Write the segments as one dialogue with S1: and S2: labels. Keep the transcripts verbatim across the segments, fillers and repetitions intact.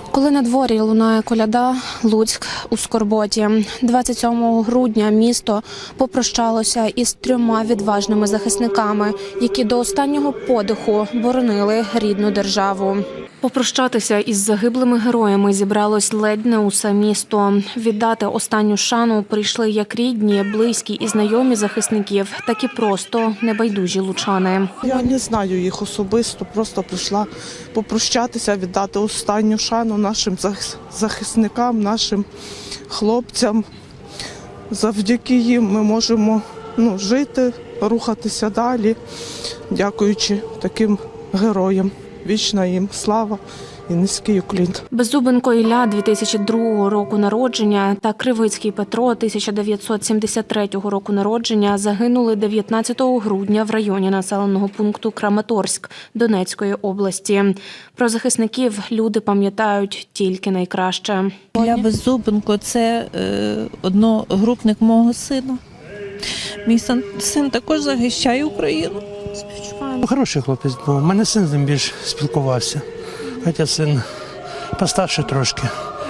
S1: Коли на дворі лунає коляда, Луцьк у скорботі. двадцять сьомого грудня місто попрощалося із трьома відважними захисниками, які до останнього подиху боронили рідну державу. Попрощатися із загиблими героями зібралось ледь не усе місто. Віддати останню шану прийшли як рідні, близькі і знайомі захисників, так і просто небайдужі лучани.
S2: Я не знаю їх особисто, просто прийшла попрощатися, віддати останню шану нашим захисникам, нашим хлопцям. Завдяки їм ми можемо ну, жити, рухатися далі, дякуючи таким героям. Вічна їм слава і низький уклін.
S1: Беззубенко Ілля дві тисячі другого року народження та Кривицький Петро тисяча дев'ятсот сімдесят третього року народження загинули дев'ятнадцятого грудня в районі населеного пункту Краматорськ Донецької області. Про захисників люди пам'ятають тільки найкраще.
S3: Ілля Беззубенко – це е, одногрупник мого сина. Мій син, син також захищає Україну.
S4: Хороший хлопець був. У мене син з ним більш спілкувався. Хоча син постарше трошки.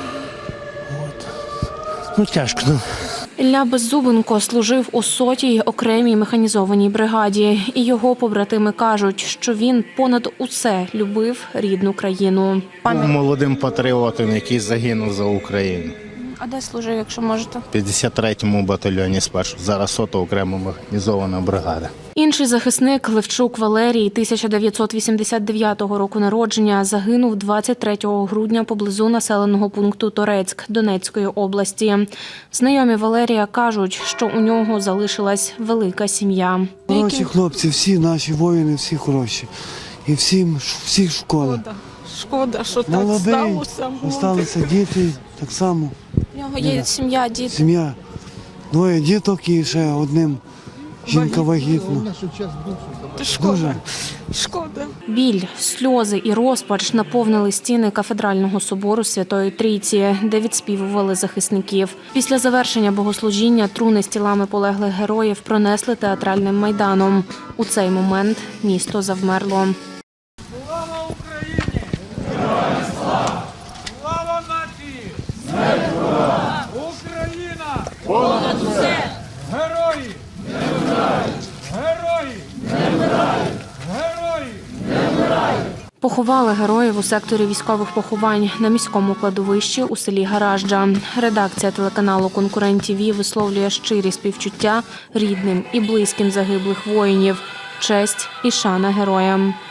S4: От. Ну, тяжко. Ну.
S1: Ілля Беззубенко служив у сотій окремій механізованій бригаді. І його побратими кажуть, що він понад усе любив рідну країну.
S5: Був молодим патріотом, який загинув за Україну.
S1: А де служив, якщо можете?
S5: В п'ятдесят третьому батальйоні спершу. Зараз сота окрема механізована бригада.
S1: Інший захисник Левчук Валерій тисяча дев'ятсот вісімдесят дев'ятого року народження загинув двадцять третього грудня поблизу населеного пункту Торецьк Донецької області. Знайомі Валерія кажуть, що у нього залишилась велика сім'я.
S6: Хороші хлопці, всі наші воїни, всі хороші. І всім, всіх школа.
S2: Шкода, що так
S6: Молодий,
S2: сталося.
S6: залишилися діти, так само.
S1: У нього є сім'я, діти.
S6: Сім'я. Двоє діток і ще одним жінка вагітна. Дуже.
S2: Шкода.
S1: Біль, сльози і розпач наповнили стіни кафедрального собору Святої Трійці, де відспівували захисників. Після завершення богослужіння труни з тілами полеглих героїв пронесли театральним майданом. У цей момент місто завмерло.
S7: Слава Україні! Героям слава! Слава нації! Смерть ворогам! Україна! Понад усе! Герої! Не вмирають! Герої! Не вмирають! Герої! Не вмирають!
S1: Поховали героїв у секторі військових поховань на міському кладовищі у селі Гаражджа. Редакція телеканалу «Конкурент ТІВІ» висловлює щирі співчуття рідним і близьким загиблих воїнів. Честь і шана героям.